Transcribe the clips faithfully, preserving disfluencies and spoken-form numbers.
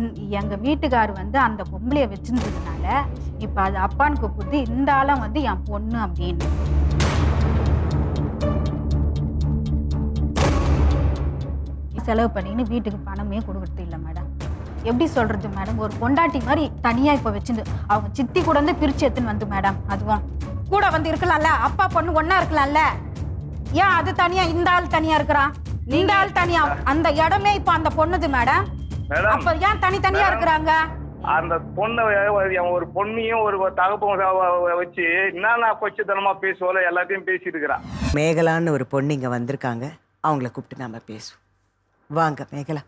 எங்கள் வீட்டுக்கார் வந்து அந்த பொம்பளைய வச்சிருந்ததுனால இப்போ அது அப்பான்னு கூப்பிட்டு இந்த ஆளும் வந்து என் பொண்ணு அப்படின்னு. செலவு பண்ணின்னு வீட்டுக்கு பணமே கொடுக்கறது இல்லை மேடம். எப்படி சொல்றது மேடம், ஒரு பொண்டாட்டி மாதிரி தனியா இப்போ வச்சிருந்து அவங்க சித்தி கூட வந்து பிரிச்சு எடுத்துன்னு வந்து மேடம், அதுவும் கூட வந்து இருக்கலாம்ல, அப்பா பொண்ணு ஒன்னா இருக்கலாம்ல, ஏன் அது தனியா இந்த ஆள் தனியா இருக்கிறான், இந்த ஆள் தனியா, அந்த இடமே இப்போ அந்த பொண்ணுது மேடம். அப்ப ஏன் தனித்தனியா இருக்கிறாங்க? அந்த பொண்ணை ஒரு பொண்ணையும் ஒரு தகப்பம் வச்சு என்னன்னா கொச்சத்தனமா பேசுவோல எல்லாத்தையும் பேசிட்டு இருக்கிறான். மேகலான்னு ஒரு பொண்ணு இங்க வந்திருக்காங்க, அவங்கள கூப்பிட்டு நாம பேசுவோம். வாங்க மேகலா.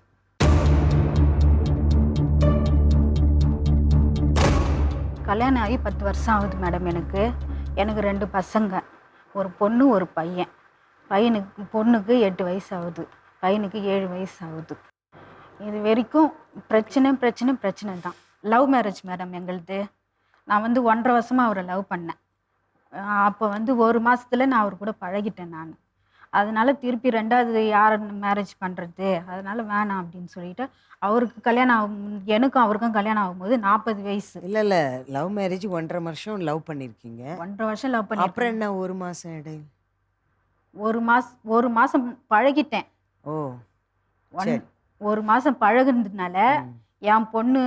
கல்யாணம் ஆகி பத்து வருஷம் ஆகுது மேடம். எனக்கு எனக்கு ரெண்டு பசங்க, ஒரு பொண்ணு ஒரு பையன். பையனுக்கு பொண்ணுக்கு எட்டு வயசு ஆகுது, பையனுக்கு ஏழு வயசு ஆகுது. இது வரைக்கும் பிரச்சனை பிரச்சனை பிரச்சனை தான். லவ் மேரேஜ் மேடம் எங்களுது. நான் வந்து ஒன்றரை வருஷமாக அவரை லவ் பண்ணேன். அப்போ வந்து ஒரு மாதத்தில் நான் அவர் கூட பழகிட்டேன் நான். அதனால திருப்பி ரெண்டாவது யார் மேரேஜ் பண்ணுறது, அதனால வேணாம் அப்படின்னு சொல்லிட்டு அவருக்கு கல்யாணம் ஆகும், எனக்கும் அவருக்கும் கல்யாணம் ஆகும்போது நாற்பது வயசு. இல்லை இல்லை லவ் மேரேஜ் ஒன்றரை வருஷம் லவ் பண்ணியிருக்கீங்க. ஒன்றரை வருஷம் லவ் பண்ணி அப்புறம் என்ன ஒரு மாதம் இடையில ஒரு மாதம் ஒரு மாதம் பழகிட்டேன். ஓ ஒன் ஒரு மாதம் பழகுனதுனால என் பொண்ணு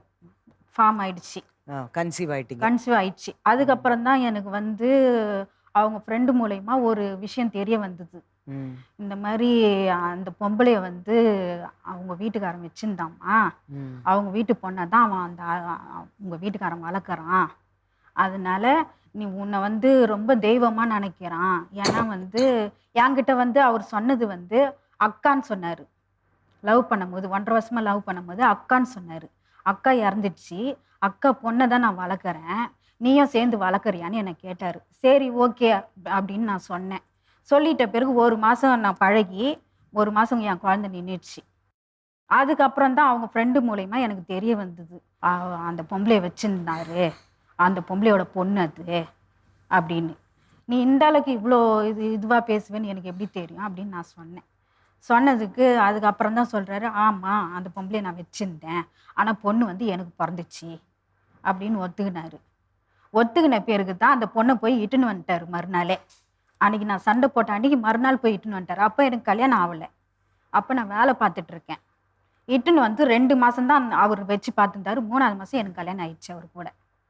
ஃபார்ம் ஆயிடுச்சு, கன்சீவ் ஆயிட்டீங்க. கன்சீவ் ஆயிடுச்சு. அதுக்கப்புறம் தான் எனக்கு வந்து அவங்க ஃப்ரெண்டு மூலயமா ஒரு விஷயம் தெரிய வந்தது. இந்த மாதிரி அந்த பொம்பளைய வந்து அவங்க வீட்டுக்காரன் வச்சிருந்தாம்மா, அவங்க வீட்டு பொண்ணை தான் அவன் அந்த உங்கள் வீட்டுக்காரன் வளர்க்குறான், அதனால நீ உன்னை வந்து ரொம்ப தெய்வமாக நினைக்கிறான். ஏன்னா வந்து என்கிட்ட வந்து அவர் சொன்னது வந்து அக்கான்னு சொன்னார். லவ் பண்ணும்போது ஒன்றரை வருஷமாக லவ் பண்ணும்போது அக்கான்னு சொன்னார். அக்கா இறந்துடுச்சு, அக்கா பொண்ணை தான் நான் வளர்க்குறேன், நீயும் சேர்ந்து வளர்க்குறியான்னு என்னை கேட்டார். சரி ஓகே அப்படின்னு நான் சொன்னேன். சொல்லிட்ட பிறகு ஒரு மாதம் நான் பழகி ஒரு மாதம் என் குழந்தை நின்றுடுச்சு. அதுக்கப்புறம் தான் அவங்க ஃப்ரெண்டு மூலயமா எனக்கு தெரிய வந்தது, அந்த பொம்பளைய வச்சுருந்தாரு, அந்த பொம்பளையோட பொண்ணு அது அப்படின்னு. நீ இந்த அளவுக்கு இவ்வளோ இது இதுவாக பேசுவேன்னு எனக்கு எப்படி தெரியும் அப்படின்னு நான் சொன்னேன். சொன்னதுக்கு அதுக்கப்புறம் தான் சொல்கிறாரு, ஆமாம் அந்த பொம்பளையை நான் வச்சுருந்தேன், ஆனால் பொண்ணு வந்து எனக்கு பிறந்துச்சு அப்படின்னு ஒத்துக்கினாரு. ஒத்துக்கின பேருக்கு தான் அந்த பொண்ணை போய் இட்டுன்னு வந்துட்டார் மறுநாளே. அன்றைக்கி நான் சண்டை போட்ட அன்றைக்கி மறுநாள் போய் இட்டுன்னு வந்துட்டார். அப்போ எனக்கு கல்யாணம் ஆகலை, அப்போ நான் வேலை பார்த்துட்ருக்கேன். இட்டுன்னு வந்து ரெண்டு மாதம்தான் அவர் வச்சு பார்த்துருந்தாரு. மூணாவது மாதம் எனக்கு கல்யாணம் ஆயிடுச்சு அவர் கூட.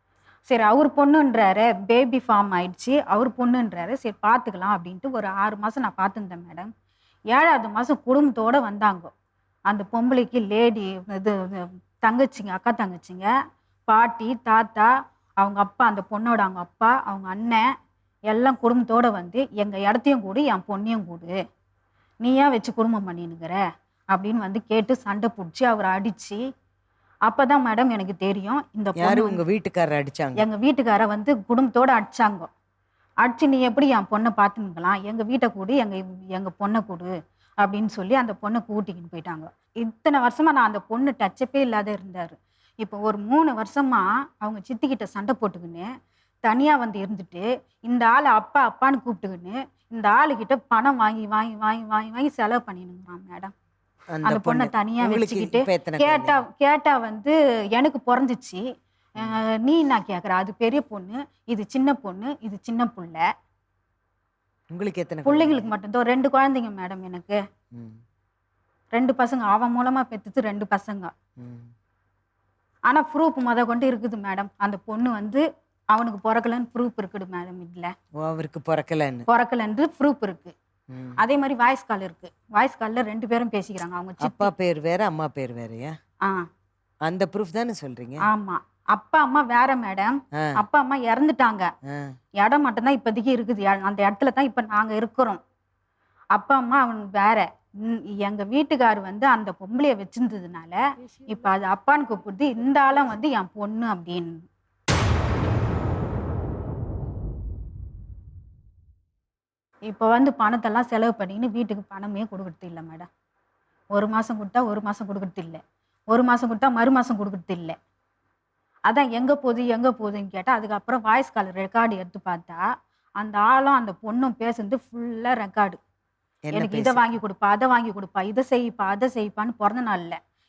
சரி அவர் பொண்ணுன்றாரு, பேபி ஃபார்ம் ஆயிடுச்சு, அவர் பொண்ணுன்றாரு, சரி பார்த்துக்கலாம் அப்படின்ட்டு ஒரு ஆறு மாதம் நான் பார்த்துருந்தேன் மேடம். ஏழாவது மாதம் குடும்பத்தோடு வந்தாங்க. அந்த பொம்பளைக்கு லேடி இது தங்கச்சிங்க, அக்கா தங்கச்சிங்க, பாட்டி, தாத்தா, அவங்க அப்பா, அந்த பொண்ணோட அவங்க அப்பா, அவங்க அண்ணன் எல்லாம் குடும்பத்தோடு வந்து எங்கள் இடத்தையும் கூடு என் பொண்ணையும் கூடு, நீ ஏன் வச்சு குடும்பம் பண்ணினுக்கிற அப்படின்னு வந்து கேட்டு சண்டை பிடிச்சி அவரை அடித்து. அப்போ தான் மேடம் எனக்கு தெரியும் இந்த பொண்ணு உங்கள் வீட்டுக்காரரை அடித்தாங்க. எங்கள் வீட்டுக்காரை வந்து குடும்பத்தோடு அடித்தாங்க. அடிச்சு நீ எப்படி என் பொண்ணை பார்த்துக்கலாம், எங்கள் வீட்டை கூடு, எங்கள் எங்கள் பொண்ணை கூடு அப்படின்னு சொல்லி அந்த பொண்ணை கூட்டிக்கின்னு போயிட்டாங்க. இத்தனை வருஷமாக நான் அந்த பொண்ணு டச்சப்பே இல்லாத இருந்தார். இப்போ ஒரு மூணு வருஷமாக அவங்க சித்திக்கிட்ட சண்டை போட்டுக்கின்னு தனியாக வந்து இருந்துட்டு இந்த ஆள் அப்பா அப்பான்னு கூப்பிட்டுக்கின்னு இந்த ஆளுக்கிட்ட பணம் வாங்கி வாங்கி வாங்கி வாங்கி வாங்கி செலவு பண்ணினுங்கிறான் மேடம். அந்த பொண்ணை தனியாக வச்சுக்கிட்டு கேட்டா கேட்டா வந்து எனக்கு பிறந்துச்சு, நீ நான் கேட்குற, அது பெரிய பொண்ணு, இது சின்ன பொண்ணு, இது சின்ன பிள்ளை. உங்களுக்கு எத்தனை பிள்ளைங்களுக்கு மட்டும்தான் ரெண்டு குழந்தைங்க மேடம். எனக்கு ரெண்டு பசங்க, அவன் மூலமாக பெற்றுது ரெண்டு பசங்க. ஆனால் ப்ரூஃப் முத கொண்டு இருக்குது மேடம். அந்த பொண்ணு வந்து அவனுக்கு பிறக்கலன்னு ப்ரூஃப் இருக்குது மேடம். இல்லை அவருக்கு பிறக்கலன்னு பிறக்கலன்னு ப்ரூஃப் இருக்கு. அதே மாதிரி வாய்ஸ் கால் இருக்கு. வாய்ஸ் காலில் ரெண்டு பேரும் பேசிக்கிறாங்க. அவங்க அப்பா பேர் வேற அம்மா பேர் வேறயா? ஆ அந்த ப்ரூஃப் தானே சொல்றீங்க? ஆமா, அப்பா அம்மா வேற மேடம். அப்பா அம்மா இறந்துட்டாங்க, இடம் மட்டும்தான் இப்போதைக்கு இருக்குது. அந்த இடத்துல தான் இப்போ நாங்கள் இருக்கிறோம். அப்பா அம்மா அவன் வேற. எங்க வீட்டுக்கார் வந்து அந்த பொம்பளைய வச்சிருந்ததுனால இப்போ அது அப்பான்னு கூப்பிடுது, இந்த ஆளும் வந்து என் பொண்ணு அப்படின்னு. இப்போ வந்து பணத்தெல்லாம் செலவு பண்ணின்னு வீட்டுக்கு பணமே கொடுக்கறது இல்லை மேடம். ஒரு மாதம் கொடுத்தா ஒரு மாதம் கொடுக்கறது இல்லை, ஒரு மாதம் கொடுத்தா மறு மாதம் கொடுக்கறது இல்லை. அதான் எங்கே போகுது எங்கே போகுதுன்னு கேட்டால் அதுக்கப்புறம் வாய்ஸ் கால் ரெக்கார்டு எடுத்து பார்த்தா அந்த ஆளும் அந்த பொண்ணும் பேசுறது ஃபுல்லாக ரெக்கார்டு. எனக்கு இதை வாங்கி கொடுப்பா, அதை வாங்கி கொடுப்பா, இதை செய்ப்பா, அதை செய்ப்பான்னு பிறந்த நாளில்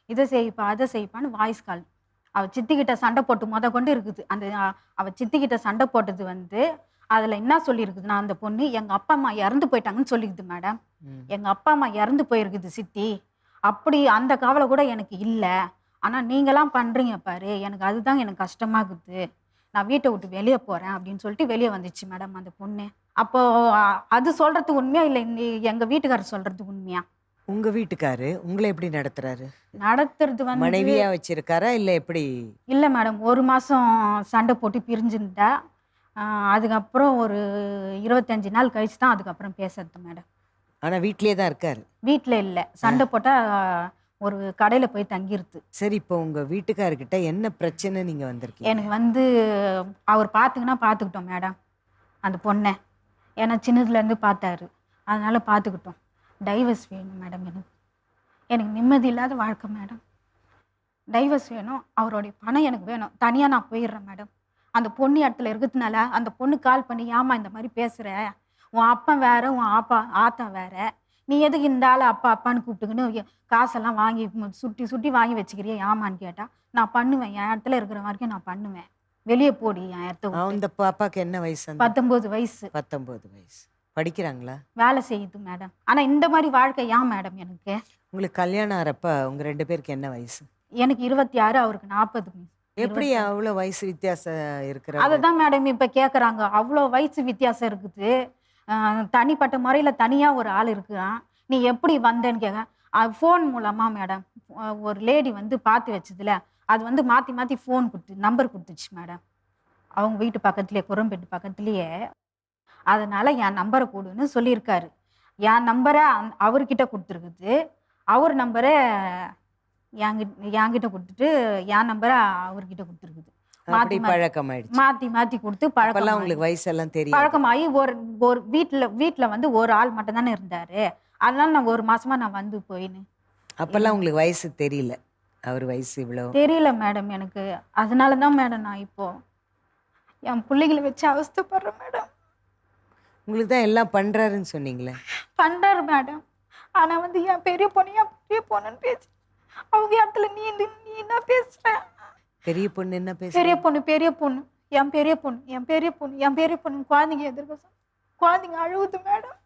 இதை செய்ப்பா அதை செய்ப்பான்னு வாய்ஸ் கால். அவள் சித்திக்கிட்ட சண்டை போட்டு மொத கொண்டு இருக்குது. அந்த அ- அவ சித்திக்கிட்ட சண்டை போட்டது வந்து அதில் என்ன சொல்லியிருக்குதுன்னா, அந்த பொண்ணு எங்கள் அப்பா அம்மா இறந்து போயிட்டாங்கன்னு சொல்லிக்குது மேடம். ம். எங்கள் அப்பா அம்மா இறந்து போயிருக்குது சித்தி. அப்படி அந்த கவலை கூட எனக்கு இல்லை. ஆனால் நீங்களாம் பண்ணுறீங்க பாரு, எனக்கு அதுதான் எனக்கு கஷ்டமாகுது. நான் வீட்டை விட்டு வெளியே போகிறேன் அப்படின்னு சொல்லிட்டு வெளியே வந்துச்சு மேடம் அந்த பொண்ணு. அப்போ அ- அது சொல்கிறது உண்மையா இல்லை எங்கள் வீட்டுக்காரர் சொல்கிறது உண்மையா? உங்க வீட்டுக்காரு உங்களை எப்படி நடத்துறாரு? நடத்துறது வந்து மனைவியா வச்சிருக்காரா இல்ல எப்படி? இல்லை மேடம். ஒரு மாதம் சண்டை போட்டு பிரிஞ்சுருந்தா. அதுக்கப்புறம் ஒரு இருபத்தஞ்சி நாள் கழிச்சு தான் அதுக்கப்புறம் பேசுறது மேடம். ஆனா வீட்லயே தான் இருக்காரு. வீட்டில் இல்லை, சண்டை போட்டால் ஒரு கடையில் போய் தங்கிருது. சரி, இப்போ உங்க வீட்டுக்காரர்கிட்ட என்ன பிரச்சனை நீங்க வந்திருக்கீங்க? எனக்கு வந்து அவர் பார்த்துக்கினா பார்த்துக்கிட்டோம் மேடம் அந்த பொண்ணை. ஏன்னா சின்னதுலேருந்து பார்த்தாரு, அதனால பார்த்துக்கிட்டோம். டைவர்ஸ் வேணும் மேடம். எனக்கு எனக்கு நிம்மதி இல்லாத வாழ்க்கை மேடம். டைவர்ஸ் வேணும். அவருடைய பணம் எனக்கு வேணும். தனியாக நான் போயிடுறேன் மேடம். அந்த பொண்ணு இடத்துல இருக்கிறதுனால அந்த பொண்ணு கால் பண்ணி, ஏம்மா இந்த மாதிரி பேசுகிற, உன் அப்பா வேற உன் ஆப்பா ஆத்தா வேற, நீ எதுக்கு இந்த ஆள் அப்பா அப்பான்னு கூப்பிட்டுக்கின்னு எ- காசெல்லாம் வாங்கி மு- சுட்டி சுட்டி வாங்கி வச்சுக்கிறியா ஏமான்னு கேட்டா, நான் பண்ணுவேன், என் இடத்துல இருக்கிற வரைக்கும் நான் பண்ணுவேன், வெளியே போடி என் இடத்த விட்டு. அந்த பாப்பாக்கு என்ன வயசு? அந்த பத்தொம்போது வயசு. பத்தொன்பது வயசு. படிக்கிறாங்களா? வேலை செய்யுது மேடம். ஆனால் இந்த மாதிரி வாழ்க்கை ஏன் மேடம் எனக்கு? உங்களுக்கு கல்யாணம் ஆறப்ப உங்க ரெண்டு பேருக்கு என்ன வயசு? எனக்கு இருபத்தி ஆறு, அவருக்கு நாற்பது. எப்படி அவ்வளோ வயசு வித்தியாசம் இருக்கிற? அதை தான் மேடம் இப்போ கேட்குறாங்க. அவ்வளோ வயசு வித்தியாசம் இருக்குது. அஹ் தனிப்பட்ட முறையில் தனியாக ஒரு ஆள் இருக்கிறான், நீ எப்படி வந்தேன்னு கேட்க. ஃபோன் மூலமாக மேடம் ஒரு லேடி வந்து பார்த்து வச்சதுல அது வந்து மாற்றி மாற்றி ஃபோன் கொடுத்து நம்பர் கொடுத்துச்சு மேடம். அவங்க வீட்டு பக்கத்துலேயே, குரம்பேட்டு பக்கத்துலேயே. அதனால் என் நம்பரை கொடுன்னு சொல்லியிருக்காரு. என் நம்பரை அந் அவர்கிட்ட கொடுத்துருக்குது. அவர் நம்பரை என்கிட்ட என்கிட்ட கொடுத்துட்டு என் நம்பரை அவர்கிட்ட கொடுத்துருக்குது. அப்படி மாற்றி மாற்றி பழக்கம் ஆயிடுச்சு. மாற்றி மாற்றி கொடுத்து அப்பெல்லாம் பழக்கம் உங்களுக்கு வயசெல்லாம் தெரியும். பழக்கமாகி ஒரு ஒரு வீட்டில் வீட்டில் வந்து ஒரு ஆள் மட்டும் தானே இருந்தார். அதனால நான் ஒரு மாசமா நான் வந்து போயின்னு அப்பெல்லாம் உங்களுக்கு வயசு தெரியல, அவர் வயசு இவ்வளோ தெரியல மேடம் எனக்கு. அதனால தான் மேடம் நான் இப்போ என் பிள்ளைகளை வச்சு அவஸ்தைப்படுறேன் மேடம். உங்களுக்கு தான் எல்லாம் பண்றாருன்னு சொன்னீங்களே. பண்ணுறாரு மேடம். ஆனால் வந்து என் பெரிய பொண்ணு என் பெரிய பொண்ணுன்னு பேசு, அவங்க இடத்துல நீ இந்த- நீ என்ன பேசுற? பெரிய பொண்ணு என்ன பேச? பெரிய பொண்ணு பெரிய பொண்ணு என் பெரிய பொண்ணு என் பெரிய பொண்ணு என் பெரிய பொண்ணு குழந்தைங்க எதிர்க்க சொல். குழந்தைங்க அழுகுது மேடம்.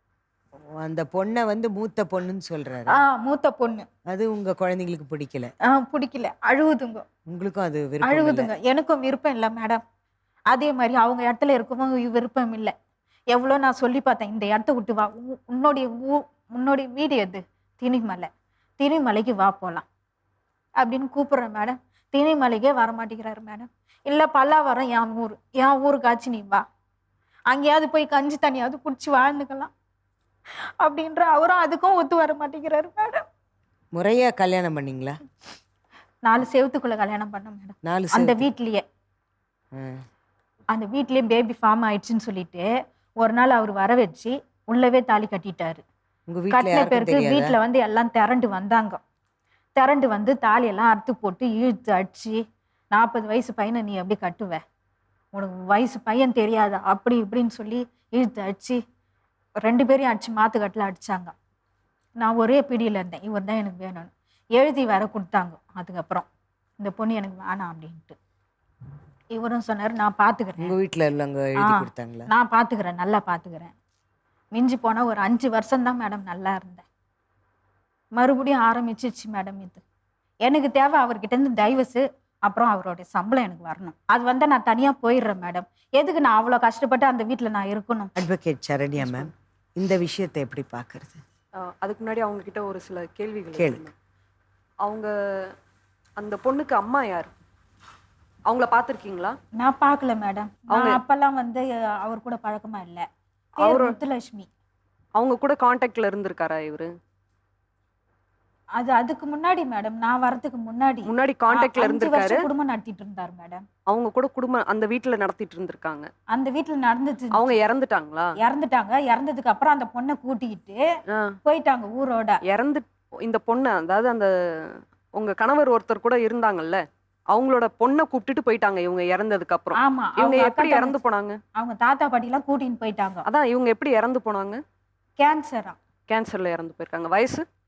அந்த பொண்ணை வந்து மூத்த பொண்ணுன்னு சொல்றாரு. ஆ மூத்த பொண்ணு. அது உங்க குழந்தைங்களுக்கு பிடிக்கல. ஆ பிடிக்கல, அழுகுதுங்க. உங்களுக்கும் அது விருப்பம் இல்ல? அழுகுதுங்க. எனக்கும் விருப்பம் இல்லை மேடம். அதே மாதிரி அவங்க இடத்துல இருக்கவும் விருப்பம் இல்லை. எவ்வளோ நான் சொல்லி பார்த்தேன், இந்த இடத்த விட்டு வா, உ- உன்னுடைய ஊ உன்னுடைய வீடு எது? திணிமலை. திணிமலைக்கு வா போகலாம் அப்படின்னு கூப்பிட்றேன் மேடம். திணிமலைக்கே வர மாட்டேங்கிறாரு மேடம். இல்லை பல்லாவரம் என் ஊர், என் ஊருக்காச்சு நீ வா, அங்கேயாவது போய் கஞ்சி தண்ணியாவது குடிச்சு வாழ்ந்துக்கலாம் அப்படின்ற அவரும் அதுக்கும் ஒத்து வர மாட்டேங்கிறாரு மேடம். முறையா கல்யாணம் பண்ணீங்களா? நாலு செவத்துக்குள்ள கல்யாணம் பண்ண மேடம். நாலு அந்த செவத்து. வீட்லயே ம். அந்த வீட்லயே பேபி ஃபார்ம் ஆயிடுச்சுன்னு சொல்லிட்டு ஒரு நாள் அவர் வர வச்சு உள்ளவே தாலி கட்டிட்டாரு. உங்க வீட்ல கட்டின யாருக்கும் பேருக்கு தெரியாதா? வீட்டில் வந்து எல்லாம் திரண்டு வந்தாங்க. திரண்டு வந்து தாலியெல்லாம் அறுத்து போட்டு இழுத்து அடிச்சு, நாற்பது வயசு பையனை நீ எப்படி கட்டுவ, உனக்கு வயசு பையன் தெரியாதா, அப்படி இப்படின்னு சொல்லி இழுத்து அடிச்சு ரெண்டு பேரையும் அடிச்சு மாத்துக்கட்டில் அடிச்சாங்க. நான் ஒரே பிடியில் இருந்தேன், இவர் தான் எனக்கு வேணும்னு எழுதி வேற கொடுத்தாங்க. அதுக்கப்புறம் இந்த பொண்ணு எனக்கு வேணாம் அப்படின்ட்டு இவரும் சொன்னார், நான் பார்த்துக்கிறேன், உங்க வீட்ல உள்ளவங்க எழுதி ஆ. கொடுத்தாங்களா? நான் பார்த்துக்கிறேன், நல்லா பார்த்துக்கிறேன். மிஞ்சி போனால் ஒரு அஞ்சு வருஷம் தான் மேடம் நல்லா இருந்தேன். மறுபடியும் ஆரம்பிச்சிச்சு மேடம் இது. எனக்கு தேவை அவர்கிட்ட இருந்து டைவர்ஸு, அப்புறம் அவருடைய சம்பளம் எனக்கு வரணும். அது வந்து நான் தனியாக போயிடுறேன் மேடம். எதுக்கு நான் அவ்வளோ கஷ்டப்பட்டு அந்த வீட்டில் நான் இருக்கணும்? அட்வொகேட் சரண்யா மேம், இந்த விஷயத்தை எப்படி பார்க்கறது? ஆஹ் அதுக்கு முன்னாடி அவங்க கிட்ட ஒரு சில கேள்விகள் கேளுங்க. இருக்கு. அவங்க அந்த பொண்ணுக்கு அம்மா யார்? அவங்கள பார்த்துருக்கீங்களா? நான் பார்க்கல மேடம். அவங்க- நான் அப்பெல்லாம் வந்து அவர் கூட பழக்கமா இல்லை. அவரு- முத்துலட்சுமி. அவங்க கூட காண்டாக்ட்ல இருந்திருக்காரா இவரு? அது அதுக்கு முன்னாடி மேடம், நான் வரதுக்கு முன்னாடி முன்னாடி காண்டாக்ட்ல அஞ்சு இருந்திருக்காரு. வருஷம் குடும்பம் நடத்திட்டு இருந்தார் மேடம். அவங்க கூட குடும்பம் அந்த வீட்டுல நடத்திட்டு இருந்திருக்காங்க. அந்த வீட்டில் நடந்துச்சு. அவங்க இறந்துட்டாங்களா? இறந்துட்டாங்க. இறந்ததுக்கு அப்புறம் அந்த பொண்ணை கூட்டிக்கிட்டு ஆஹ் போயிட்டாங்க ஊரோட. இறந்து இந்த பொண்ணு, அதாவது அந்த உங்க கணவர் ஒருத்தர் கூட இருந்தாங்கல்ல, அவங்களோட பொண்ணை கூப்பிட்டுட்டு போயிட்டாங்க இவங்க இறந்ததுக்கு அப்புறம். ஆமா. இவங்க அவங்க அக்கா எப்படி இறந்து தங்கச்சி- போனாங்க? அவங்க தாத்தா பாட்டி எல்லாம் கூட்டின்னு போயிட்டாங்க. அதான் இவங்க எப்படி இறந்து போனாங்க? கேன்சரா? கேன்சர்ல இறந்து போயிருக்காங்க. வயசு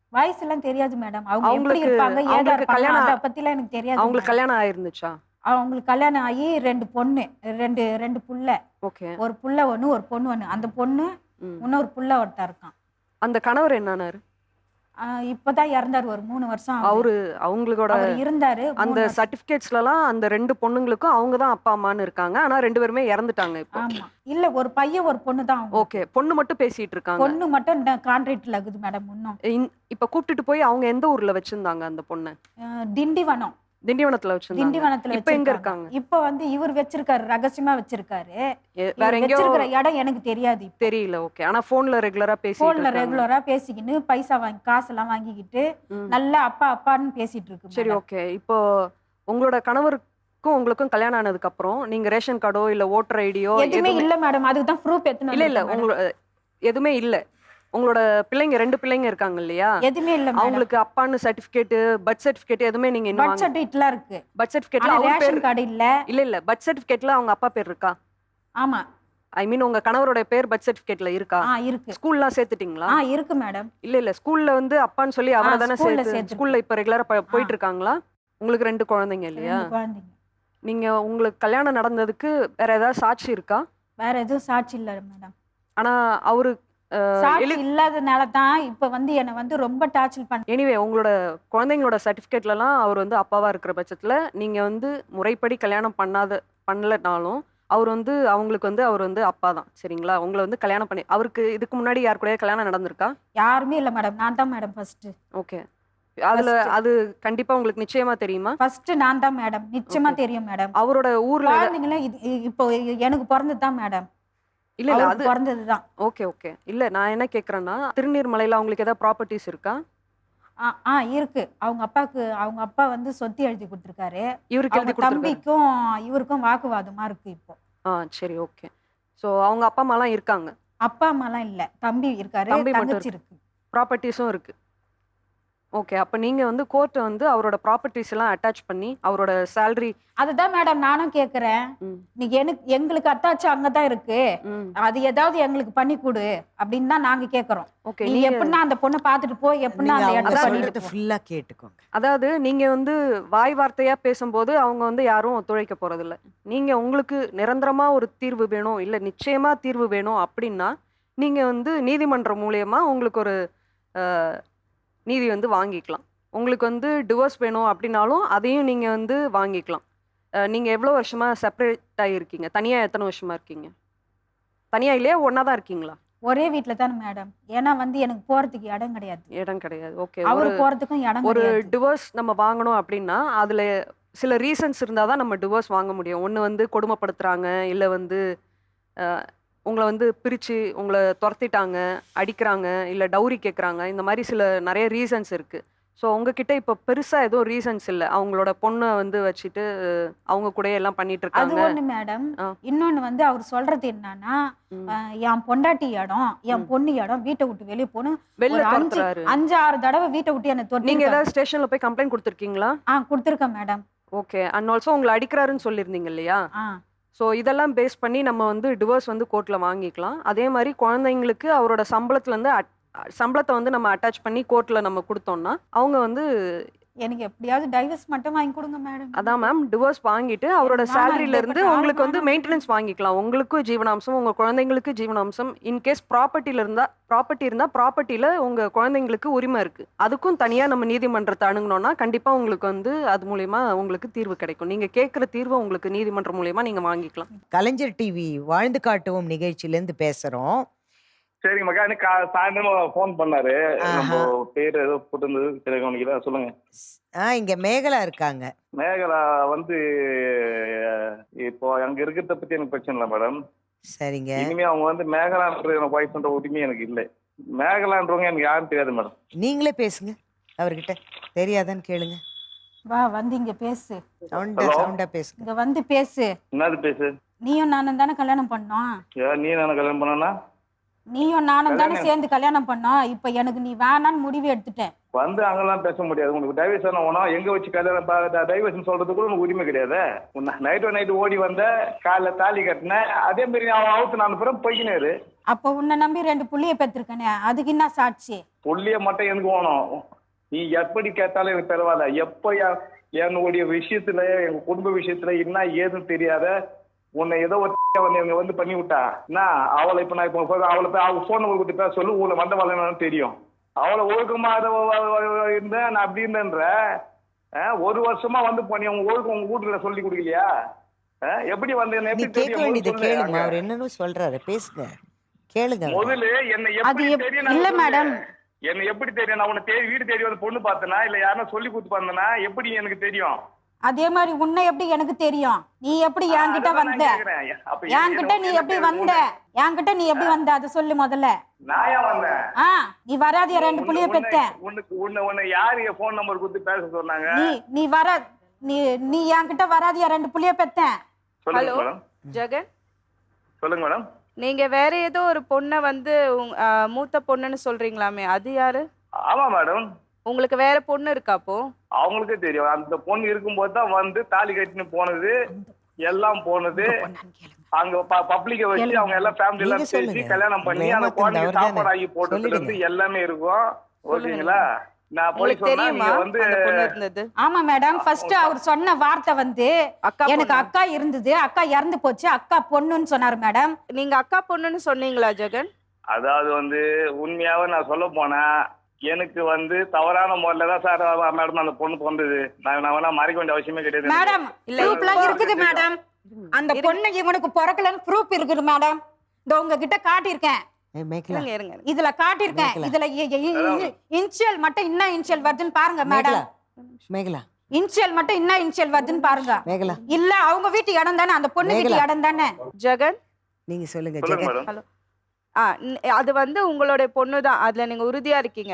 வயசு எல்லாம் தெரியாது மேடம். அவங்க எப்படி அவங்களுக்கு இருப்பாங்க, ஏதா அவங்களுக்கு இருப்பாங்க கல்யாணம் அத பத்திலாம் எனக்கு தெரியாது அவங்களுக்கு மேடம். கல்யாணம் ஆயிருந்துச்சா? அவங்களுக்கு கல்யாணம் ஆகி ரெண்டு பொண்ணு, ரெண்டு ரெண்டு புள்ள. ஓகே. ஒரு புள்ள ஒண்ணு, ஒரு பொண்ணு ஒண்ணு. அந்த பொண்ணு ம். இன்னொரு புள்ள ஒருத்தன் இருக்கான். அந்த கணவர் என்னானாரு? ஆ, இப்பதான் இறந்தாரு. ஒரு மூணு வருஷம் ஆகுது. அவரு அவங்களோட அவர் இருந்தாரு அந்த மூணு வருஷம். சர்டிபிகேட்ஸ்லலாம் அந்த ரெண்டு பொண்ணுங்களுக்கும் அவங்க தான் அப்பா அம்மான்னு இருக்காங்க. ஆனா ரெண்டு பேருமே இறந்துட்டாங்க இப்போ. ஆமா. இல்ல ஒரு பையன் ஒரு பொண்ணு தான் அவங்க. ஓகே. பொண்ணு மட்டும் பேசிட்டு இருக்காங்க. பொண்ணு மட்டும் கான்ட்ராக்ட்ல இருக்குது மேடம் இன்னும். இந்- இப்ப கூப்பிட்டுட்டு போய் அவங்க எந்த ஊர்ல வச்சிருந்தாங்க அந்த பொண்ணு? அஹ், திண்டிவனம். திண்டிவனத்துல வச்சிருந்தாங்க. திண்டிவனத்துல இப்ப எங்க வச்சிருக்காங்க. இருக்காங்க? இப்ப வந்து இவர் வச்சிருக்காரு, ரகசியமா வச்சிருக்காரு. எ- வேற இவர் எங்கேயோ வச்சிருக்கிற இடம் எனக்கு தெரியாது. இப்ப தெரியல. ஓகே. ஆனா போன்ல ரெகுலரா பேசிட்டு போன்ல இருக்காங்க. ரெகுலரா பேசிக்கின்னு பைசா வாங்கி காசெல்லாம் வாங்கிக்கிட்டு ம். நல்லா அப்பா அப்பான்னு பேசிட்டு இருக்கு சரி, மேடம். ஓகே. இப்போ உங்களோட கணவருக்கும் உங்களுக்கும் கல்யாணம் ஆனதுக்கு அப்புறம் நீங்க ரேஷன் கார்டோ இல்ல ஓட்டர் ஐடியோ எதுவுமே இல்ல மேடம். அதுக்கு தான் ப்ரூஃப் எத்தனை இல்ல இல்ல உங்களோட எதுவுமே இல்ல. உங்களோட பிள்ளைங்க ரெண்டு பிள்ளைங்க இருக்காங்க இல்லையா? எதுவுமே இல்ல மேடம். அவங்களுக்கு அப்பான்னு சர்டிபிகேட், பர்த் சர்டிபிகேட் எதுவுமே நீங்க இன்னும் பர்த் வாங்க சர்டிஃபிகேட்லாம் இருக்கு. பர்த் சர்டிபிகேட்ல ஆனா அவங்க பேர் ரேஷன் கார்டு இல்ல. இல்ல இல்ல பர்த் சர்டிபிகேட்ல அவங்க அப்பா பேர் இருக்கா? ஆமா. ஐ மீன் உங்க கணவரோட பேர் பர்த் சர்டிபிகேட்ல இருக்கா? ஆ இருக்கு. ஸ்கூல்லாம் சேர்த்துட்டீங்களா? ஆ இருக்கு மேடம். இல்ல இல்ல ஸ்கூல்ல வந்து அப்பான்னு சொல்லி அவரை தானே ஸ்கூல்ல சேர்த்து சேர்த்திருக்கோம். ஸ்கூல்ல இப்ப ரெகுலரா போயிட்டு இருக்காங்களா? உங்களுக்கு ரெண்டு குழந்தைங்க இல்லையா? ரெண்டு குழந்தைங்க. நீங்க உங்களுக்கு கல்யாணம் நடந்ததுக்கு வேற ஏதாவது சாட்சி இருக்கா? வேற எதுவும் சாட்சி இல்ல மேடம். ஆனா அவரு சாட்சி இல்லாதனால தான் இப்ப வந்து என்ன வந்து ரொம்ப டார்ச்சர் பண்ண. எனிவே உங்களோட குழந்தைங்களோட சர்டிபிகேட்லலாம் அவர் வந்து அப்பாவா இருக்கிற பட்சத்துல நீங்க வந்து முறைப்படி கல்யாணம் பண்ணாத பண்ணலனாலும் அவர் வந்து அவங்களுக்கு வந்து அவர் வந்து அப்பா தான். சரிங்களா? உங்களை வந்து கல்யாணம் பண்ணி அவருக்கு இதுக்கு முன்னாடி யார் கூட கல்யாணம் நடந்திருக்கா? யாருமே இல்ல மேடம். நான் தான் மேடம் ஃபர்ஸ்ட். ஓகே. அதுல First. அது கண்டிப்பா உங்களுக்கு நிச்சயமா தெரியுமா? ஃபர்ஸ்ட் நான் தான் மேடம். நிச்சயமா தெரியும் மேடம். அவரோட ஊர்ல குழந்தைங்கள இது இப்போ எனக்கு பிறந்தது தான் மேடம். இல்ல இல்ல அது அவருக்கு பிறந்தது தான். Okay okay. இல்ல நான் என்ன கேக்குறேன்னா திருநீர்மலையில அவங்களுக்கு ஏதாவது ப்ராப்பர்ட்டிஸ் இருக்கா? ஆ ஆ இருக்கு. அவங்க அப்பாக்கு அவங்க அப்பா வந்து சொத்து எழுதி கொடுத்துருக்காரு. இவருக்கு அவங்க எழுதி கொடுத்துருக்காரு. தம்பிக்கும் இவருக்கும் வாக்குவாதமா இருக்கு இப்போ. ஆ சரி, ஓகே. சோ அவங்க அப்பா அம்மாலாம் இருக்காங்க. அப்பா அம்மாலாம் இல்ல. தம்பி இருக்காரு, தம்பி மட்டும் தங்கச்சி இருக்கு. ப்ராப்பர்ட்டிஸும் இருக்கு. ஓகே. அப்ப நீங்க வந்து கோர்ட்டை வந்து அவரோட ப்ராப்பர்ட்டிஸ் எல்லாம் அட்டாச் பண்ணி அவரோட சேலரி அதுதான் மேடம் நானும் கேக்குறேன். நீங்க எனக்கு எங்களுக்கு அத்தாச்சு அங்கதான் இருக்கு. அது ஏதாவது எங்களுக்கு பண்ணி கொடு அப்படின்னு தான் நாங்க கேக்குறோம். ஓகே. நீ எப்படின்னா அந்த பொண்ணை பாத்துட்டு போ, எப்படின்னா நீங்க அந்த அவங்க இடத்த சொல்றத பண்ணிட்டு போ. ஃபுல்லா கேட்டுக்கோங்க. அதாவது நீங்க வந்து வாய் வார்த்தையா பேசும்போது அவங்க வந்து யாரும் ஒத்துழைக்க போறதில்ல. நீங்க உங்களுக்கு நிரந்தரமா ஒரு தீர்வு வேணும், இல்ல நிச்சயமா தீர்வு வேணும் அப்படின்னா நீங்க வந்து நீதிமன்றம் மூலியமா உங்களுக்கு ஒரு அஹ், நீதி வந்து வாங்கிக்கலாம். உங்களுக்கு வந்து டிவோர்ஸ் வேணும் அப்படின்னாலும் அதையும் நீங்க வந்து வாங்கிக்கலாம். அஹ், நீங்க எவ்வளவு வருஷமா செப்பரேட் ஆகிருக்கீங்க? தனியா எத்தனை வருஷமா இருக்கீங்க? தனியா இல்லையா ஒன்னா தான் இருக்கீங்களா? ஒரே வீட்டுல தானே மேடம். ஏன்னா வந்து எனக்கு போறதுக்கு இடம் கிடையாது. இடம் கிடையாது. ஓகே. அவரு போறதுக்கும் இடம் ஒரு கிடையாது. டிவோர்ஸ் நம்ம வாங்கணும் அப்படின்னா அதுல சில ரீசன்ஸ் இருந்தால் தான் நம்ம டிவோர்ஸ் வாங்க முடியும். ஒன்று வந்து கொடுமைப்படுத்துறாங்க, இல்லை வந்து அஹ், உங்களை வந்து பிரித்து உங்களை துரத்திட்டாங்க, அடிக்கிறாங்க, இல்லை டவுரி கேட்குறாங்க. இந்த மாதிரி சில நிறைய ரீசன்ஸ் இருக்குது. ஸோ உங்ககிட்ட இப்போ பெருசாக எதுவும் ரீசன்ஸ் இல்லை. அவங்களோட பொண்ணை வந்து வச்சுட்டு அவங்க கூட எல்லாம் பண்ணிட்டு அது இருக்காங்க. ஒண்ணு மேடம். ஆ. இன்னொன்னு வந்து அவர் சொல்றது என்னன்னா, ம். அஹ், என் பொண்டாட்டி இடம், என் ம். பொண்ணு இடம், வீட்டை விட்டு வெளியே போகணும். வெளில ஒரு அஞ்சு துரத்துறாரு. அஞ்சு ஆறு தடவை வீட்டை விட்டு என்ன நீங்க தொட்டி ஏதாவது ஸ்டேஷன்ல போய் கம்ப்ளைண்ட் கொடுத்துருக்கீங்களா? ஆ கொடுத்துருக்கேன் மேடம். ஓகே. அண்ட் ஆல்சோ உங்களை அடிக்கிறாருன்னு சொல்லியிருந்தீங்க இல்லையா? ஆ ஸோ இதெல்லாம் பேஸ் பண்ணி நம்ம வந்து டிவோர்ஸ் வந்து கோர்ட்டில் வாங்கிக்கலாம். அதே மாதிரி குழந்தைங்களுக்கு அவரோட சம்பளத்துலேருந்து அட் சம்பளத்தை வந்து நம்ம அட்டாச் பண்ணி கோர்ட்டில் நம்ம கொடுத்தோம்னா அவங்க வந்து எனக்கு எப்படியாவது டைவர்ஸ் மட்டும் வாங்கி கொடுங்க மேடம். அதான் மேம் டிவோர்ஸ் வாங்கிட்டு அவரோட வேணாம், சேலரியில இந்த இருந்து பக்கம் உங்களுக்கு வந்து வேணாம். மெயின்டெனன்ஸ் வாங்கிக்கலாம். உங்களுக்கும் ஜீவனாம்சம், உங்க குழந்தைங்களுக்கு ஜீவனாம்சம். இன்கேஸ் ப்ராப்பர்ட்டியில இருந்தா ப்ராப்பர்ட்டி இருந்தா ப்ராப்பர்ட்டியில உங்க குழந்தைங்களுக்கு உரிமை இருக்கு. அதுக்கும் தனியா நம்ம நீதிமன்றத்தை அணுகணும்னா கண்டிப்பா உங்களுக்கு வந்து அது மூலியமா உங்களுக்கு தீர்வு கிடைக்கும். நீங்க கேட்குற தீர்வை உங்களுக்கு நீதிமன்றம் மூலியமா நீங்க வாங்கிக்கலாம். கலைஞர் டிவி வாழ்ந்து காட்டுவோம் நிகழ்ச்சியிலேருந்து பேசுறோம். சரிங்க மக்கா. எனக்கு கா- சாயந்தரமா ஃபோன் பண்ணாரு. நம்ம ஆஹா. பேர் ஏதோ போட்டிருந்தது சரி கவனிக்கல. சொல்லுங்க. ஆ இங்க மேகலா இருக்காங்க. மேகலா வந்து அஹ், இப்போ அங்க இருக்கிறத பத்தி எனக்கு பிரச்சனை இல்லை மேடம். சரிங்க. இனிமே அவங்க வந்து மேகலான்ற எனக்கு வாய்ஸ் பண்ற உரிமை எனக்கு இல்லை. மேகலான்றவங்க எனக்கு யாரும் தெரியாது மேடம். நீங்களே பேசுங்க அவர்கிட்ட. தெரியாதான்னு கேளுங்க. வா வந்து இங்க பேசு. சவுண்டா Hello? சவுண்டா பேசுங்க. இங்க வந்து பேசு. என்னது பேசு? நீயும் நானும் தானே கல்யாணம் பண்ணோம். ஏன் நீ நான் கல்யாணம் பண்ணனா? நீயும் நானும் தானே கல்யாணம் சேர்ந்து கல்யாணம் பண்ணோம். இப்ப எனக்கு நீ வேணான்னு முடிவு எடுத்துட்டேன். வந்து அங்கெல்லாம் பேச முடியாது. உங்களுக்கு டைவர்ஸ் ஆனா எங்க வச்சு கல்யாணம் டைவர்ஸ் சொல்றதுக்கு கூட உனக்கு உரிமை கிடையாது. நைட்டு நைட்டு ஓடி வந்த காலைல தாலி கட்டினேன். அதே மாதிரி அவன் அவுத்து நான் அப்புறம் போய்க்கினாரு. அப்ப உன்னை நம்பி ரெண்டு புள்ளிய பெற்றிருக்கனே, அதுக்கு என்ன சாட்சி? புள்ளிய மட்டும் எனக்கு வேணும். நீ எப்படி கேட்டாலும் எனக்கு பரவாயில்ல. எப்ப என்- என்னுடைய விஷயத்துல எங்க குடும்ப விஷயத்துல என்ன ஏதுன்னு தெரியாத உன்னை ஏதோ ஒரு வந்து இவங்க வந்து பண்ணி விட்டா என்ன அவளை இப்ப நான் இப்போ அவளை போய் அவங்க போன் நம்பர் கொடுத்து பேச சொல்லு. உங்களை வந்த வரலன்னு தெரியும். அவளை ஒழுக்கமா அதை இருந்தேன் நான் அப்படி இருந்தேன்ற அஹ், ஒரு வருஷமா வந்து பண்ணி உங்க ஒழுக்கம் உங்க வீட்டுல சொல்லி கொடுக்கலையா? அஹ், எப்படி வந்து என்ன நீ எப்படி கேட்க தெரியும்? வேண்டியது முதல்ல சொல்லு. கேளுங்க. அங்க. அவர் என்னன்னு சொல்றாரு பேசுங்க, கேளுங்க அவரை. முதல்ல என்னை அது எப்படி எப்- தெரியும்? இல்ல நான் மேடம். சொல்லு. என்னை எப்படி தெரியும்? நான் உன்னை தேடி வீடு தேடி வந்து பொண்ணு பார்த்தனா இல்ல யாரும் சொல்லி கொடுத்து பார்த்தனா எப்படி எனக்கு தெரியும்? அதே மாதிரி உன்னை எப்படி எனக்கு தெரியும்? நீ எப்படி என்கிட்ட அதான் நான் வந்த? கேக்குறேன். அப்ப என்ன- என்கிட்ட நீ என்ன எப்படி தெரியும்? வந்த? என்கிட்ட நீ எப்படி வந்த அதை சொல்லு முதல்ல. நான் ஏன் வந்தேன்? ஆ நீ வராதிய ரெண்டு புள்ளிய உன்னை- பெத்தேன். உனக்கு உன்னை உன்னை யாரு என் போன் நம்பர் கொடுத்து பேச சொன்னாங்க? நீ நீ வர நீ நீ என்கிட்ட வராதிய ரெண்டு புள்ளிய பெத்தேன். சொல்லுங்க ஹலோ மேடம். ஜெகன், சொல்லுங்க மேடம். நீங்க வேற ஏதோ ஒரு பொண்ணை வந்து உங்க- ஆ, மூத்த பொண்ணுன்னு சொல்றீங்களாமே, அது யாரு? ஆமா மேடம். உங்களுக்கு வேற பொண்ணு இருக்கா அப்போ? அவங்களுக்கே தெரியும். அந்த பொண்ணு இருக்கும்போது தான் வந்து தாலி கட்டின்னு போனது எல்லாம் போனது. அங்க பப்ளிக்க வச்சு அவங்க எல்லாம் ஃபேமிலி எல்லாம் நீங்க பேசி சொல்லுங்க. கல்யாணம் பண்ணி உங்களை அந்த ஏமாத்துனது குழந்தைக்கு அவர்தானே? சாப்பாடு ஆகி போட்டதுல இருந்து சொல்லிடுங்க. எல்லாமே இருக்கும். ஓகேங்களா? நான் போய் உங்களுக்கு சொன்னா தெரியுமா நீங்க வந்து அந்த பொண்ணு இருந்தது? ஆமா மேடம். ஃபர்ஸ்ட் அவர் சொன்ன வார்த்தை வந்து அக்கா எனக்கு பொண்ணா? அக்கா இருந்தது, அக்கா இறந்து போச்சு, அக்கா பொண்ணுன்னு சொன்னாரு மேடம். நீங்க அக்கா பொண்ணுன்னு சொன்னீங்களா ஜெகன்? அதாவது வந்து உண்மையாவே நான் சொல்ல போனா எனக்கு வந்து தவறான முறையில தான் சார் மேடம் அந்த பொண்ணு பிறந்தது. நான் நான் வேணா மறைக்க வேண்டிய அவசியமே கிடையாது. மேடம் இல்ல, ப்ரூஃப்லாம் இல்ல. இருக்குது மேடம். அந்த பொண்ணு இவனுக்கு பிறக்கலன்னு ப்ரூஃப் இருக்குது மேடம். இந்த உங்ககிட்ட காட்டியிருக்கேன். ஏய், மேகலா இருங்க இருங்க இருங்க. இதுல காட்டியிருக்கேன். மேகலா. இதுல இன்ஷியல் மட்டும் என்ன இன்ஷியல் வருதுன்னு பாருங்க மேகலா மேடம். மேகலா இன்ஷியல் மட்டும் என்ன இன்ஷியல் வருதுன்னு பாருங்க. மேகலா இல்ல அவங்க வீட்டு இடம் தானே, அந்த பொண்ணு வீட்டு மேகலா. இடம் தானே. ஜெகன், நீங்க சொல்லுங்க சொல்லுங்க ஜெகன். மேடம். ஹலோ. ஆ ந- அது வந்து உங்களுடைய பொண்ணு தான், அதுல நீங்க உறுதியா இருக்கீங்க?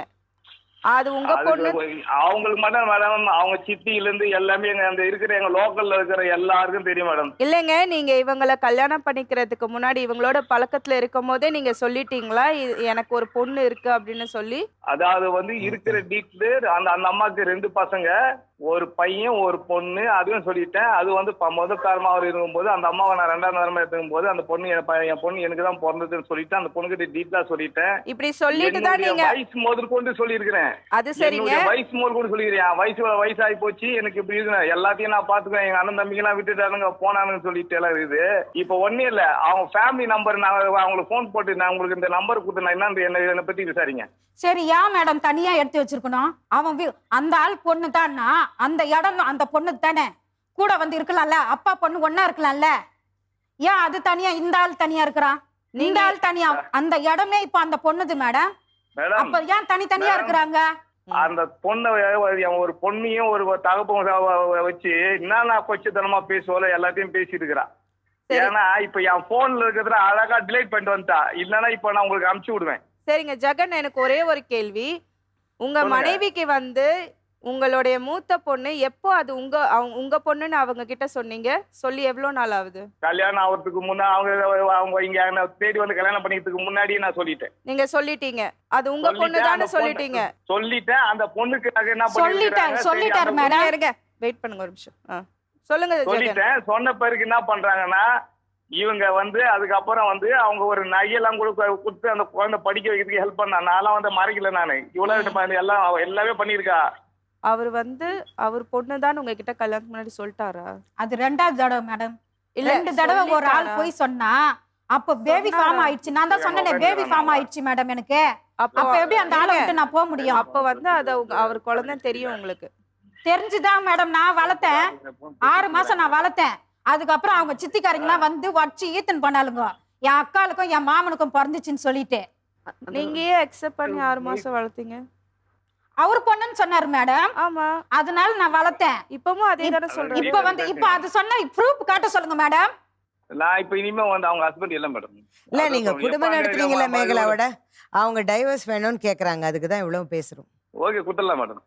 அது உங்க பொண்ணு? அதுக்கு அவங்களுக்கு மட்டும் மேடம் அவங்க சித்தியில இருந்து எல்லாமே எங்க அந்த இருக்கிற எங்க லோக்கல்ல இருக்கிற எல்லாருக்கும் தெரியும் மேடம். இல்லைங்க, நீங்க இவங்கள கல்யாணம் பண்ணிக்கிறதுக்கு முன்னாடி இவங்களோட பழக்கத்துல இருக்கும் போதே நீங்க சொல்லிட்டீங்களா இ- எனக்கு ஒரு பொண்ணு இருக்கு அப்படின்னு சொல்லி? அதாவது வந்து இருக்கிற டீட்டெயில் அந்த அந்த அம்மாக்கு ரெண்டு பசங்க, ஒரு பையன் ஒரு பொண்ணு, அதுவும் சொல்லிட்டேன். அது வந்து ப- முதல் காரணமா அவர் இருக்கும்போது அந்த அம்மாவை நான் ரெண்டாம் நேரமா எடுத்துக்கும் போது அந்த பொண்ணு என் ப- என் பொண்ணு எனக்கு தான் பிறந்ததுன்னு சொல்லிட்டு அந்த பொண்ணுகிட்ட டீட்டெயிலா சொல்லிட்டேன். இப்படி சொல்லிட்டு தான் என்னுடைய நீங்க வயசு முதல் கொண்டு சொல்லியிருக்கிறேன். அது சரிங்க. என்னுடைய வயசு முதல் கொண்டு சொல்லிக்கிறேன். வயசு வயசாகி போச்சு எனக்கு இப்படி இருக்கு, எல்லாத்தையும் நான் பாத்துக்குவேன். எங்க அண்ணன் தம்பிக்கு எல்லாம் விட்டுட்டானுங்க போனானுங்க சொல்லிட்டு எல்லாம் இருக்குது. இப்ப ஒன்னே இல்ல, அவங்க ஃபேமிலி நம்பர் நான் அவங்களுக்கு போன் போட்டு நான் உங்களுக்கு இந்த நம்பர் கொடுத்து நான் என்ன என்ன என்னை பத்தி விசாரிங்க. சரி ஏன் மேடம் தனியா எடுத்து வச்சிருக்கணும்? அவன் வீ- அந்த ஆள் பொண்ணு தான்னா அந்த இடம் அந்த பொண்ணு தானே, கூட வந்து இருக்கலாம்ல. அப்பா பொண்ணு ஒண்ணா இருக்கலாம்ல. ஏன் அது தனியா இந்த ஆள் தனியா இருக்கிறான்? இந்த ஆள் தனியா, அந்த இடமே இப்ப அந்த பொண்ணுது மேடம். மேடம் அப்ப ஏன் தனித்தனியா மேடம். இருக்கிறாங்க? அந்த பொண்ணை அவன் ஒரு பொண்ணையும் ஒரு தகப்பன் வச்சு என்னன்னா கொச்சத்தனமா பேசுவோல எல்லாத்தையும் பேசிட்டு இருக்கிறான். சரி. ஏன்னா இப்ப என் போன்ல இருக்கிறத அழகா டிலைட் பண்ணிட்டு வந்துட்டா. இல்லன்னா இப்ப நான் உங்களுக்கு அனுப்பிச்சு விடுவேன். சரிங்க ஜெகன், எனக்கு ஒரே ஒரு கேள்வி. உங்க சொல்லுங்க. மனைவிக்கு வந்து உங்களுடைய மூத்த பொண்ணு எப்போ அது உங்க அவங்க உங்க பொண்ணுன்னு அவங்க கிட்ட சொன்னீங்க? சொல்லி எவ்வளவு நாள் ஆகுது? கல்யாணம் ஆகிறதுக்கு முன்னா அவங்க அவங்க இங்க என்னை தேடி வந்து கல்யாணம் பண்ணிக்கிறதுக்கு முன்னாடியே நான் சொல்லிட்டேன். நீங்க சொல்லிட்டீங்க அது உங்க பொண்ணு சொல்லிட்டேன். தானே அந்த சொல்லிட்டீங்க? பொண்ணு- சொல்லிட்டேன். அந்த பொண்ணுக்கு நாங்க என்ன சொல்லிட்டாரு, பண்ணிருக்காங்க, சொல்லிட்டாரு சரி, அந்த மேடம். இருங்க வெயிட் பண்ணுங்க ஒரு நிமிஷம். ஆ. சொல்லுங்க ஜெகன். சொல்லிட்டேன். சொன்ன பிறகு என்ன பண்றாங்கன்னா இவங்க வந்து அதுக்கப்புறம் வந்து அவங்க ஒரு நகையெல்லாம் கூட கு- கொடுத்து அந்த குழந்தை படிக்க வைக்கிறதுக்கு ஹெல்ப் பண்ணா. நான்லாம் வந்து மறைக்கல. நானு இவ்வளவு எல்லாம் அவ எல்லாமே பண்ணிருக்கா. அவர் வந்து அவர் பொண்ணு தான் உங்ககிட்ட கல்யாணத்துக்கு முன்னாடி சொல்லிட்டாரா? அது ரெண்டாவது தடவை மேடம். இல்ல, ரெண்டு தடவை ஒரு ஆள் சொல்லிட்டாரா? போய் சொன்னா அப்ப பேபி சொன்னாரா? ஃபார்ம் ஆயிடுச்சு. நான் தான் சொன்னேனே பேபி ஃபார்ம் ஆயிடுச்சு மேடம் எனக்கு. அப்போ அப்ப எப்படி அந்த ஆளை விட்டு நான் போக முடியும்? அப்ப வந்து அது உங்க- அவர் குழந்தை தெரியும் உங்களுக்கு? தெரிஞ்சுதான் மேடம் நான் வளர்த்தேன். ஆறு மாசம் நான் வளர்த்தேன். அதுக்கப்புறம் அவங்க சித்திக்காரங்களாம் வந்து வச்சு ஈத்தன் பண்ணாலுங்க. என் அக்காளுக்கும் என் மாமனுக்கும் பிறந்துச்சுன்னு சொல்லிட்டு நீங்க ஏன் அக்செப்ட் பண்ணி ஆறு மாசம் வளர்த்தீங்க? அவர் பொண்ணுன்னு சொன்னாரு மேடம். ஆமா, அதனால நான் வளர்த்தேன். இப்பவும் அதே தானே சொல்றேன். இப்ப வந்து இப்ப அது சொன்ன ப்ரூஃப் காட்ட சொல்லுங்க மேடம். நான் இப்ப இனிமே வந்து அவங்க ஹஸ்பண்ட் இல்ல மேடம். இல்ல நீங்க குடும்பம் நடத்துறீங்களா மேகலாவோட? அவங்க டைவர்ஸ் வேணும்னு கேக்குறாங்க, அதுக்கு தான் இவ்வளவு பேசுறோம். ஓகே குடுத்துடலாம் மேடம்.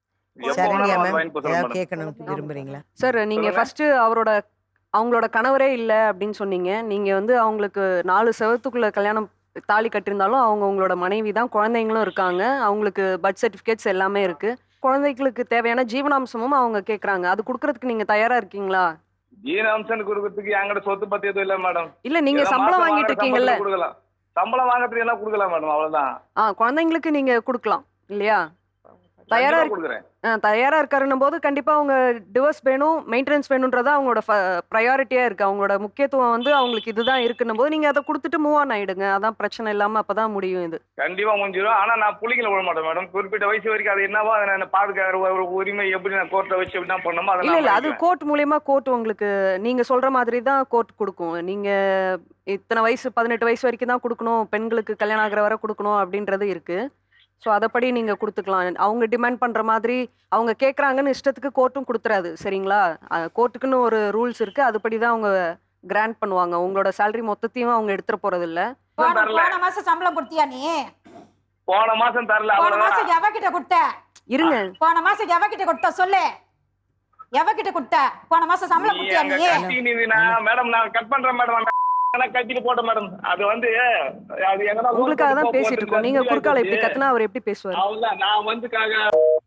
சரண்யா மேம் ஏதாவது கேட்கணும்னு விரும்புறீங்களா? சார் நீங்க சொல்லுங்க. ஃபர்ஸ்ட் அவரோட அவங்களோட கணவரே இல்லை அப்படின்னு சொன்னீங்க. நீங்க வந்து அவங்களுக்கு நாலு செவத்துக்குள்ள கல்யாணம் தாலி கட்டியிருந்தாலும் அவங்க உங்களோட மனைவி தான், குழந்தைங்களும் இருக்காங்க, அவங்களுக்கு பர்த் சர்டிஃபிகேட்ஸ் எல்லாமே இருக்கு, குழந்தைகளுக்கு தேவையான ஜீவனாம்சமும் அவங்க கேட்குறாங்க. அது கொடுக்கறதுக்கு நீங்க தயாரா இருக்கீங்களா? ஜீவனாம்சம் கொடுக்கறதுக்கு என்கிட்ட சொத்து பத்தி எதுவும் இல்ல மேடம். இல்ல நீங்க ஏதோ சம்பளம் மாசம் வாங்கிட்டு வாங்குற இருக்கீங்கல்ல, சம்பளத்துக்கு கொடுக்கலாம். சம்பளம் வாங்குறதுக்கு எல்லாம் கொடுக்கலாம் மேடம், அவ்வளவுதான். ஆ குழந்தைங்களுக்கு நீங்க கொடுக்கலாம் இல்லையா? தயாரா கண்டிப்பா இருக்கு கொடுக்குறேன். ஆ, தயாரா இருக்காருன்னும் போது கண்டிப்பா அவங்க டிவோர்ஸ் வேணும், மெயின்டெனன்ஸ் வேணும்ன்றது அவங்களோட ப்ரையாரிட்டியா இருக்கு. அவங்களோட முக்கியத்துவம் வந்து அவங்களுக்கு இதுதான் இருக்குன்னும் போது நீங்க அதை கொடுத்துட்டு மூவ் ஆன் ஆயிடுங்க. அதான் பிரச்சனை இல்லாம அப்பதான் முடியும் இது. கண்டிப்பா முடிஞ்சிடும். ஆனா நான் புள்ளிங்களை விட மாட்டேன் மேடம். குறிப்பிட்ட வயசு வரைக்கும் அது என்னவோ அதை நான் பாதுகாக்கிற ஒரு உரிமை எப்படி நான் கோர்ட்ல வச்சு என்ன பண்ணணுமோ அதை இல்ல நான் இல்ல அது பண்ணிக்குவேன். கோர்ட் மூலியமா கோர்ட் உங்களுக்கு நீங்க சொல்ற மாதிரி தான் கோர்ட் கொடுக்கும். நீங்க இத்தனை வயசு பதினெட்டு வயசு வரைக்கும் தான் கொடுக்கணும், பெண்களுக்கு கல்யாணம் ஆகிற வரை கொடுக்கணும் அப்படின்றது இருக்கு. ஸோ அதைப்படி நீங்க கொடுத்துக்கலாம். அவங்க டிமாண்ட் பண்ற மாதிரி அவங்க கேட்குறாங்கன்னு இஷ்டத்துக்கு கோர்ட்டும் கொடுத்துறாது சரிங்களா? கோர்ட்டுக்குன்னு ஒரு ரூல்ஸ் இருக்கு, அதுபடி தான் அவங்க கிராண்ட் பண்ணுவாங்க. உங்களோட சேலரி மொத்தத்தையும் அவங்க எடுத்துட போறது இல்ல. போன தரல. போன மாசம் சம்பளம் கொடுத்தியா நீ? போன மாசம் தரல, போன அவ்வளவுதான். மாசம் எவகிட்ட கொடுத்த? இருங்க, போன மாசம் எவகிட்ட கொடுத்த சொல்லு. எவகிட்ட கொடுத்த? போன மாசம் சம்பளம் நீ கொடுத்தியா அங்க நீ? கட்டி நின்னா மேடம் நான் கட் பண்றேன் மேடம். கட்டிட்டு போட்டேன் மேடம். அது வந்து அது எங்கன்னா உங்களுக்காக தான் பேசிட்டு இருக்கோம். நீங்க குறுக்கால எப்படி கத்துனா அவர் எப்படி பேசுவார்? அவ்வளவுதான். நான் வந்து காக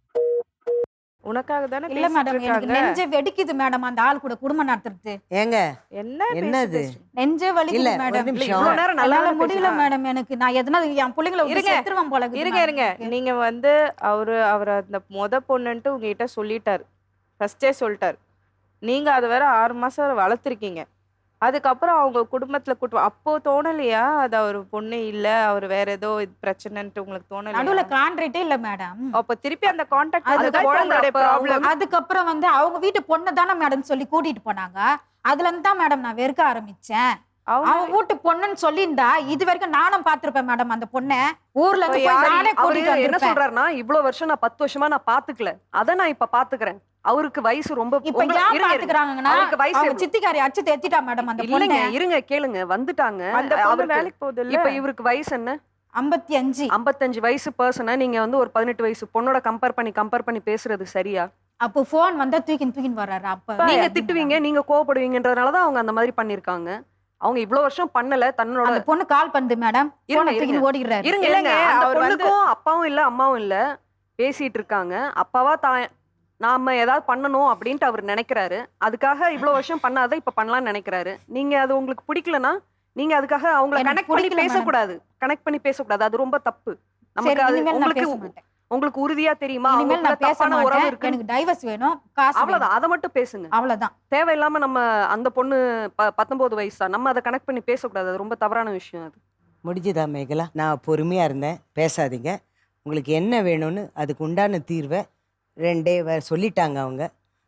உனக்காக தானே இல்ல மேடம், பேசிட்டு எனக்கு இருக்காங்க. நெஞ்சே வெடிக்குது மேடம் அந்த ஆள் கூட குடும்பம் நடத்துறது. ஏங்க என்ன என்னது? பேசுது? நெஞ்சே இல்ல வலிக்குது ஒரு மேடம். நிமிஷம். இவ்வளவு நேரம் நல்லா என்னால தானே முடியல பேசினா? மேடம். எனக்கு நான் எதனா என் பிள்ளைங்களை விட்டு இருங்க. செத்துருவேன் போல இருக்குது இருங்க மேடம் இருங்க எனக்கு. நீங்க வந்து அவரு அவர் அந்த மொத பொண்ணுன்ட்டு உங்ககிட்ட சொல்லிட்டாரு, ஃபர்ஸ்டே சொல்லிட்டாரு. நீங்க அதை வேற ஆறு மாசம் வளர்த்துருக்கீங்க. அதுக்கப்புறம் அவங்க குடும்பத்துல கூட்டு அப்போ தோணலையா அது அவர் பொண்ணு இல்ல அவர் வேற ஏதோ இது பிரச்சனைன்ட்டு உங்களுக்கு நடுவுல தோணலையா? கான்ட்ராக்டே இல்ல மேடம். அப்ப திருப்பி அந்த கான்டாக்ட் அது அதுதான் குழந்தை உங்களுடைய அப்ப அவங்க- ப்ராப்ளம். அதுக்கப்புறம் வந்து அவங்க வீட்டு பொண்ணு தானே மேடம் சொல்லி கூட்டிட்டு போனாங்க. அதுல இருந்து தான் மேடம் நான் வெறுக்க ஆரம்பிச்சேன். அவங்க அவன் வீட்டு பொண்ணுன்னு சொல்லியிருந்தா இது வரைக்கும் நானும் பாத்திருப்பேன் மேடம் அந்த பொண்ணை. ஊர்ல இருந்து இப்ப போய் யாரு- நானே அவரு கூட்டிட்டு என்ன வந்திருப்பேன். சொல்றாருன்னா இவ்வளவு வருஷம் நான் பத்து வருஷமா நான் பாத்துக்கல, அத நான் இப்ப பாத்துக்கிறேன். அவருக்கு வயசு ரொம்ப இப்ப உங்க- ஏன் இருங்க, இருங்க. பாத்துக்கிறாங்கன்னா அவருக்கு வயசு அவங்க எவ்வளவு? சித்திக்காரி அடிச்சு தேத்திட்டா மேடம் அந்த பொண்ணு. இல்லைங்க இருங்க கேளுங்க வந்துட்டாங்க. அந்த பொண்ணு அவருக்கு வேலைக்கு போகுது இல்ல? இப்ப இவருக்கு வயசு என்ன? ஐம்பத்தி அஞ்சு. ஐம்பத்தஞ்சு வயசு பர்சனை நீங்க வந்து ஒரு பதினெட்டு வயசு பொண்ணோட கம்பேர் பண்ணி கம்பேர் பண்ணி பேசுறது சரியா? அப்போ போன் வந்தா தூக்கின் தூக்கின் வர்றாரு. அப்ப நீங்க திட்டுவீங்க, நீங்க கோவப்படுவீங்கன்றதுனாலதான் அவங்க அந்த மாதிரி பண்ணிருக்காங்க. அவங்க இவ்வளவு வருஷம் பண்ணல தன்னோட. அந்த பொண்ணு கால் பண்ணுது மேடம். இருங்க, போனை இருங்க. தூக்கின்னு ஓடிடுறாரு. இருங்க இல்லைங்க, இருங்க அந்த அவர் வந்து- பொண்ணுக்கும் அப்பாவும் இல்ல அம்மாவும் இல்ல பேசிட்டு இருக்காங்க. அப்பாவா தான் நாம ஏதாவது பண்ணணும் அப்படின்ட்டு அவர் நினைக்கிறாரு. அதுக்காக இவ்வளவு வருஷம் பண்ணாத இப்ப பண்ணலாம்னு நினைக்கிறாரு. நீங்க அது உங்களுக்கு பிடிக்கலனா நீங்க அதுக்காக அவங்கள எனக்கு கனெக்ட் பண்ணி பிடிக்கல பேசக்கூடாது. கனெக்ட் பண்ணி பேசக்கூடாது, அது ரொம்ப தப்பு. சரி, நமக்கு அது இனிமேல் நான் உங்களுக்கு பேச மாட்டேன். உங்களுக்கு உறுதியா தெரியுமா இனிமேல் அவங்களுக்குள்ள நான் பேச தப்பான உறவு மாட்டேன். இருக்கு? எனக்கு டைவர்ஸ் வேணும், காசு வேணும். அவ்வளவுதான், அதை மட்டும் பேசுங்க. அவ்வளவுதான். தேவையில்லாம நம்ம அந்த பொண்ணு ப- பத்தொன்பது வயசு தான், நம்ம அதை கனெக்ட் பண்ணி பேசக்கூடாது. அது ரொம்ப தவறான விஷயம் அது. முடிஞ்சுதா மேகலா? நான் பொறுமையாக இருந்தேன், பேசாதீங்க. உங்களுக்கு என்ன வேணும்னு அதுக்கு உண்டான தீர்வை ரெண்டே வ சொல்லிட்டாங்க அவங்க.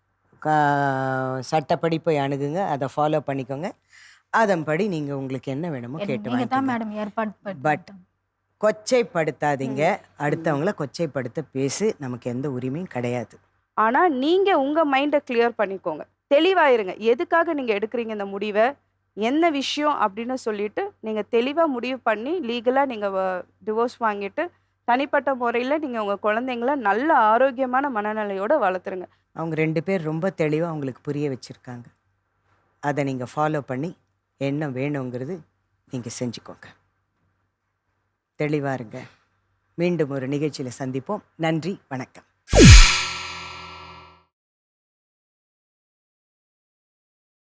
கா- சட்டப்படி போய் அணுகுங்க, அதை ஃபாலோ பண்ணிக்கோங்க. அதன்படி நீங்கள் உங்களுக்கு என்ன வேணுமோ கேட்டு நீங்க தான் வாங்கிக்கோங்க. மேடம் ஏற்பாடு பட் பண்ணிட்டு. கொச்சைப்படுத்தாதீங்க. அடுத்தவங்கள கொச்சைப்படுத்த பேசு, நமக்கு எந்த உரிமையும் கிடையாது. ஆனா நீங்க உங்க மைண்டை கிளியர் பண்ணிக்கோங்க, தெளிவாயிருங்க. எதுக்காக நீங்க எடுக்கிறீங்க இந்த முடிவை, என்ன விஷயம் அப்படின்னு சொல்லிட்டு நீங்க தெளிவா முடிவு பண்ணி லீகலா நீங்க டிவோர்ஸ் வாங்கிட்டு தனிப்பட்ட முறையில நீங்க உங்க குழந்தைங்கள நல்ல ஆரோக்கியமான மனநிலையோட வளர்த்துருங்க. அவங்க ரெண்டு பேர் ரொம்ப தெளிவாக அவங்களுக்கு புரிய வச்சுருக்காங்க. அதை நீங்கள் ஃபாலோ பண்ணி என்ன வேணுங்கிறது நீங்கள் செஞ்சுக்கோங்க. தெளிவாக இருங்க. மீண்டும் ஒரு நிகழ்ச்சியில் சந்திப்போம். நன்றி, வணக்கம்.